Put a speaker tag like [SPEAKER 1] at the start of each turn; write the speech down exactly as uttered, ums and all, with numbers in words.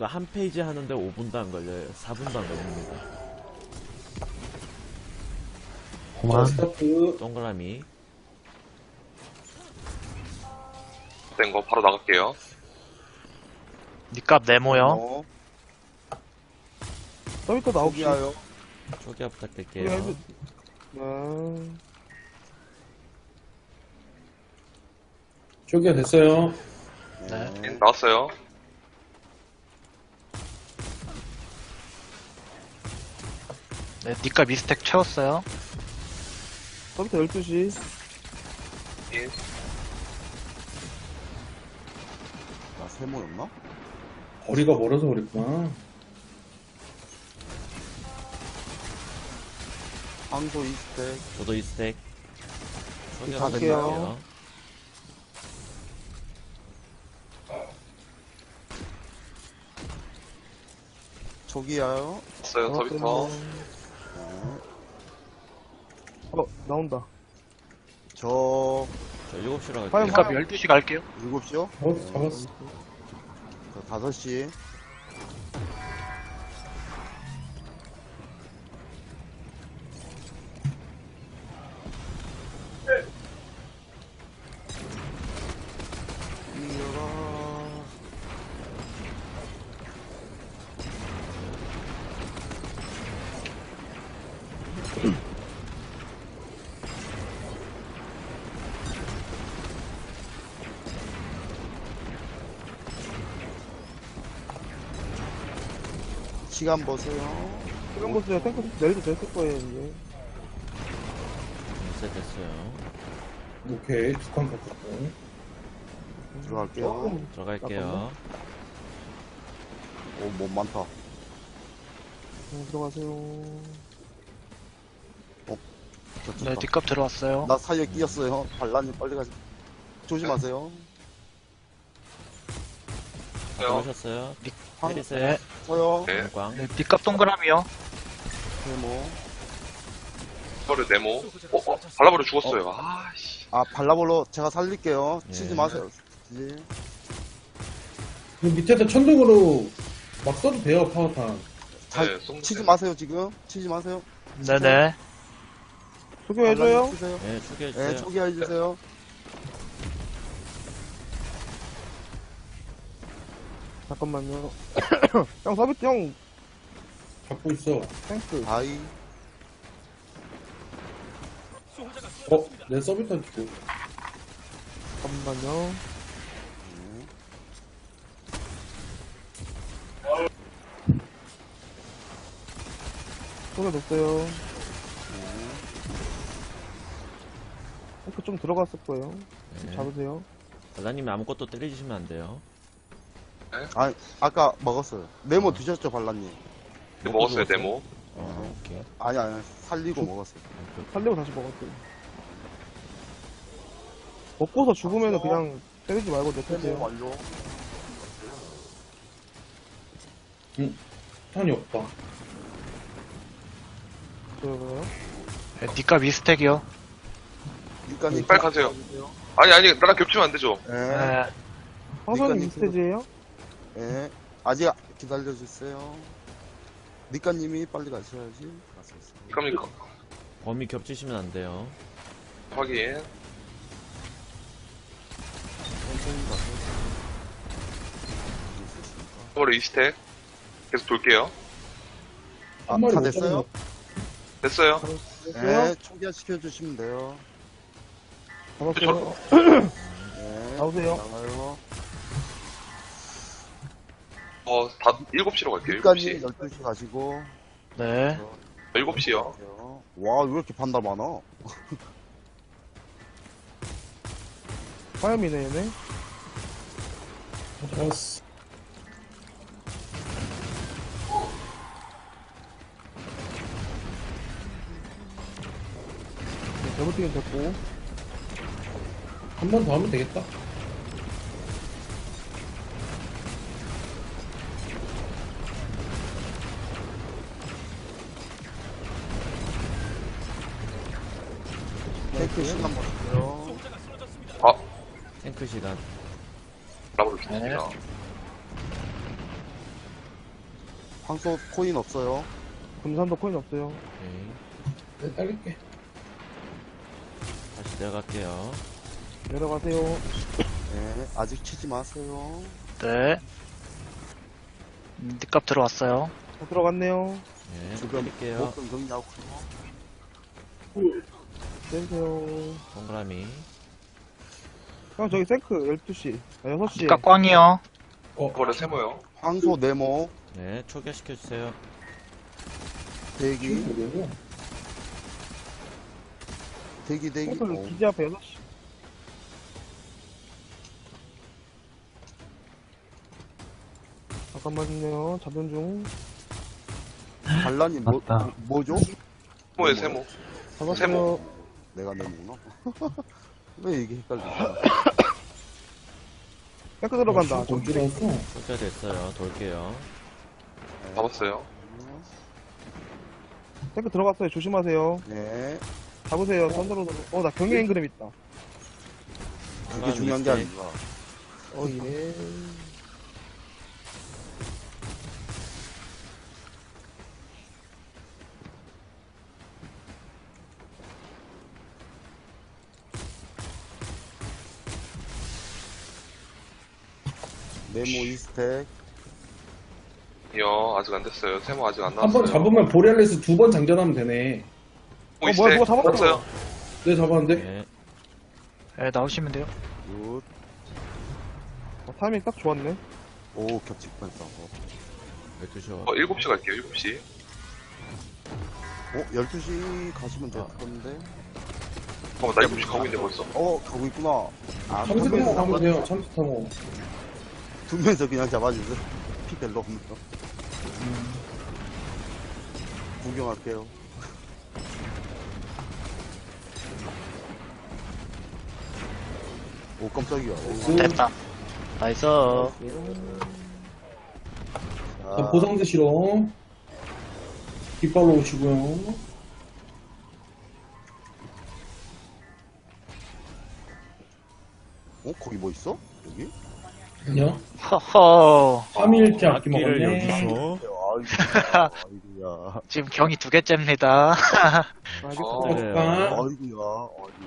[SPEAKER 1] 이거 한 페이지 하는데 오 분도 안 걸려요. 사 분도 안 걸립니다.
[SPEAKER 2] 그만.
[SPEAKER 3] 스타트.
[SPEAKER 1] 동그라미.
[SPEAKER 4] 된 거 바로 나갈게요.
[SPEAKER 2] 니값 네모요.
[SPEAKER 5] 어,
[SPEAKER 6] 서비스 나오기.
[SPEAKER 5] 포기하여.
[SPEAKER 1] 초기화 부탁드릴게요.
[SPEAKER 6] 포기하면- 네.
[SPEAKER 3] 초기화 됐어요.
[SPEAKER 2] 네.
[SPEAKER 4] 네, 나왔어요.
[SPEAKER 2] 네, 니값 이 스택 채웠어요.
[SPEAKER 6] 서비스 열두 시.
[SPEAKER 4] 예.
[SPEAKER 5] 나 세모였나?
[SPEAKER 3] 거리가 멀어서 그랬구나.
[SPEAKER 5] 황소 이스택.
[SPEAKER 1] 저도 이 스택. 초기화
[SPEAKER 5] 다
[SPEAKER 1] 부탁드릴게요.
[SPEAKER 5] 초기하여.
[SPEAKER 4] 왔어요, 서비터.
[SPEAKER 5] 네.
[SPEAKER 6] 어, 나온다.
[SPEAKER 5] 저
[SPEAKER 1] 저 일곱 시로
[SPEAKER 6] 빨리
[SPEAKER 1] 갈게요.
[SPEAKER 2] 니값 열두 시 갈게요.
[SPEAKER 5] 일곱 시요?
[SPEAKER 3] 잡았어, 잡았어.
[SPEAKER 5] 저 다섯 시. 이어라. 시간 보세요.
[SPEAKER 6] 시간 보세요. 탱크 내려도 됐을 거예요, 이제.
[SPEAKER 1] 인쇄 됐어요.
[SPEAKER 3] 오케이, 두 칸 깎았고.
[SPEAKER 5] 들어갈게요.
[SPEAKER 6] 조금
[SPEAKER 1] 들어갈게요.
[SPEAKER 5] 오, 몸 많다.
[SPEAKER 6] 네, 들어가세요.
[SPEAKER 5] 겹쳤다.
[SPEAKER 2] 네, 니값 들어왔어요.
[SPEAKER 5] 나 사이에 끼었어요. 반란님 빨리 가세요. 조심하세요.
[SPEAKER 1] 들어오셨어요?
[SPEAKER 5] 황,
[SPEAKER 1] 때리세요.
[SPEAKER 2] 네,
[SPEAKER 5] 서요.
[SPEAKER 4] 네.
[SPEAKER 1] 광.
[SPEAKER 2] 네, 니값 동그라미요.
[SPEAKER 5] 세모.
[SPEAKER 4] 이거를 네모. 어, 어, 발라버려 죽었어요. 아씨.
[SPEAKER 5] 아, 발라볼로 제가 살릴게요.
[SPEAKER 1] 예.
[SPEAKER 5] 치지 마세요. 예.
[SPEAKER 3] 그 밑에다 천둥으로 막 써도 돼요, 파워탄.
[SPEAKER 5] 잘,
[SPEAKER 4] 네, 송-
[SPEAKER 5] 치지 마세요, 지금. 치지 마세요.
[SPEAKER 2] 네네.
[SPEAKER 6] 소개해줘요.
[SPEAKER 5] 발란님 치세요.
[SPEAKER 1] 네,
[SPEAKER 5] 네,
[SPEAKER 1] 초기화해주세요.
[SPEAKER 5] 초기화해주세요.
[SPEAKER 6] 잠깐만요. 형, 서비스 형,
[SPEAKER 3] 잡고 있어.
[SPEAKER 6] 탱크.
[SPEAKER 5] 다이.
[SPEAKER 3] 어, 내 서비탄 주고.
[SPEAKER 6] 잠깐만요.
[SPEAKER 5] 네.
[SPEAKER 6] 소개됐어요.
[SPEAKER 5] 네.
[SPEAKER 6] 탱크 좀 들어갔을 거예요.
[SPEAKER 1] 네.
[SPEAKER 6] 잡으세요.
[SPEAKER 1] 발라님이 아무것도 때리시면 안 돼요.
[SPEAKER 5] 아, 아까 먹었어요. 네모 드셨죠, 발란님?
[SPEAKER 4] 네, 먹었어요, 네모.
[SPEAKER 1] 어, 오케이.
[SPEAKER 5] 아니, 아니, 살리고 먹었어요.
[SPEAKER 6] 살리고 다시 먹었어요. 먹고서 죽으면은 그냥 때리지 말고
[SPEAKER 5] 세모
[SPEAKER 6] 내펴세요.
[SPEAKER 5] 완료.
[SPEAKER 3] 응, 탄이 없다.
[SPEAKER 6] 저거요?
[SPEAKER 2] 네, 니값 이 스택이요.
[SPEAKER 5] 니까님
[SPEAKER 4] 빨리 가세요. 아니, 아니, 나랑 겹치면 안 되죠.
[SPEAKER 5] 네.
[SPEAKER 2] 네.
[SPEAKER 6] 황선이
[SPEAKER 5] 니까님
[SPEAKER 6] 이 스테이지에요?
[SPEAKER 5] 네. 아직 기다려주세요. 니까님이 빨리 가셔야지. 갔었어요.
[SPEAKER 4] 그러니까.
[SPEAKER 1] 범위 겹치시면 안 돼요.
[SPEAKER 4] 확인.
[SPEAKER 5] 천천히 가세요.
[SPEAKER 4] 발라버려 이 스택. 계속 돌게요.
[SPEAKER 5] 아,
[SPEAKER 3] 한 마리
[SPEAKER 5] 다
[SPEAKER 3] 못
[SPEAKER 5] 됐어요?
[SPEAKER 4] 됐어요.
[SPEAKER 6] 됐어요?
[SPEAKER 5] 네, 초기화 시켜주시면 돼요.
[SPEAKER 6] 잡았어요.
[SPEAKER 5] 네.
[SPEAKER 6] 나오세요.
[SPEAKER 5] 나가요.
[SPEAKER 4] 어, 다, 일곱 시로 갈게요, 일곱 시.
[SPEAKER 5] 니까님 열두 시 가시고.
[SPEAKER 2] 네.
[SPEAKER 4] 일곱 시요.
[SPEAKER 5] 가세요. 와, 왜 이렇게 반달 많아?
[SPEAKER 6] 화염이네, 얘네.
[SPEAKER 3] 잡았어.
[SPEAKER 6] 네, 데부팅은 됐고.
[SPEAKER 3] 한 번 더 하면 되겠다.
[SPEAKER 5] 탱크 시간 보세요.
[SPEAKER 4] 아,
[SPEAKER 1] 탱크 시간.
[SPEAKER 4] 발라버려 죽습니다.
[SPEAKER 5] 황소 코인 없어요.
[SPEAKER 6] 금산도 코인 없어요.
[SPEAKER 1] 오케이.
[SPEAKER 3] 내 딸릴게.
[SPEAKER 1] 다시 내려갈게요.
[SPEAKER 6] 내려가세요.
[SPEAKER 5] 네, 아직 치지 마세요.
[SPEAKER 2] 네. 음, 니값 들어왔어요.
[SPEAKER 6] 다 들어갔네요.
[SPEAKER 1] 네,
[SPEAKER 5] 지금
[SPEAKER 1] 드릴게요.
[SPEAKER 5] 목금 정리하고.
[SPEAKER 6] 내리세요.
[SPEAKER 1] 동그라미.
[SPEAKER 6] 형, 저기 생크 열두 시. 아, 여섯 시.
[SPEAKER 2] 니값 꽝이요.
[SPEAKER 3] 어,
[SPEAKER 4] 이번에 세모요.
[SPEAKER 5] 황소 네모
[SPEAKER 1] 네, 초기화시켜주세요.
[SPEAKER 5] 대기
[SPEAKER 3] 되고.
[SPEAKER 5] 대기 대기.
[SPEAKER 6] 생크
[SPEAKER 5] 어,
[SPEAKER 6] 기지 앞에 여섯 시. 잠깐만요. 잡는 중.
[SPEAKER 5] 반란이 뭐 뭐죠?
[SPEAKER 4] 세모에 세모.
[SPEAKER 6] 잡았어요.
[SPEAKER 4] 세모.
[SPEAKER 5] 내가 네모구나. 왜 이게 헷갈리지?
[SPEAKER 6] 생크 들어간다.
[SPEAKER 3] 어, 줄 알았어.
[SPEAKER 1] 초기화 됐어요. 돌게요.
[SPEAKER 4] 잡았어요.
[SPEAKER 6] 생크 들어갔어요. 조심하세요.
[SPEAKER 5] 네,
[SPEAKER 6] 잡으세요. 선으로. 어, 나 경계 앵그램 있다.
[SPEAKER 5] 그게 중요한 게 아니라.
[SPEAKER 6] 어, 예.
[SPEAKER 5] 네모 이 스택.
[SPEAKER 4] 이요, 아직 안 됐어요. 세모 아직 안
[SPEAKER 3] 한 번
[SPEAKER 4] 나왔어요.
[SPEAKER 3] 잡으면 보리알레스 두 번 장전하면 되네.
[SPEAKER 4] 뭐
[SPEAKER 6] 어, 뭐야, 누가 잡았어?
[SPEAKER 4] 없어요?
[SPEAKER 3] 네, 잡았는데?
[SPEAKER 1] 네,
[SPEAKER 2] 네, 나오시면 돼요.
[SPEAKER 5] 굿.
[SPEAKER 6] 어, 타이밍 딱 좋았네.
[SPEAKER 5] 오, 겹칠 뻔했다. 어,
[SPEAKER 1] 열두 시.
[SPEAKER 4] 어, 일곱 시 갈게요, 일곱 시.
[SPEAKER 5] 어, 열두 시 가시면 될 건데.
[SPEAKER 4] 어, 나 일곱 시 가고 있는데 벌써.
[SPEAKER 5] 어, 가고 있구나. 아,
[SPEAKER 3] 참새
[SPEAKER 5] 두
[SPEAKER 3] 타고
[SPEAKER 5] 명이서,
[SPEAKER 3] 가면 돼요, 참새 타고.
[SPEAKER 5] 두 명이서 그냥 잡아주세요. 피 별로 없네요. 구경할게요. 오, 깜짝이야. 오,
[SPEAKER 2] 됐다. 나이스.
[SPEAKER 3] 자,
[SPEAKER 5] 자,
[SPEAKER 3] 보상 드시러. 깃발로 오시고요.
[SPEAKER 5] 어, 거기 뭐 있어? 여기?
[SPEAKER 3] 아니요.
[SPEAKER 2] 허허.
[SPEAKER 3] 삼 일째 아끼
[SPEAKER 1] 악기를
[SPEAKER 3] 먹었네.
[SPEAKER 1] 여기서.
[SPEAKER 5] 아이고야. 아이고야.
[SPEAKER 2] 지금 경이 두 개째입니다.
[SPEAKER 6] 알겠습니다.
[SPEAKER 4] 어.
[SPEAKER 1] 그래요.
[SPEAKER 3] 아.
[SPEAKER 5] 아이고야. 아이고.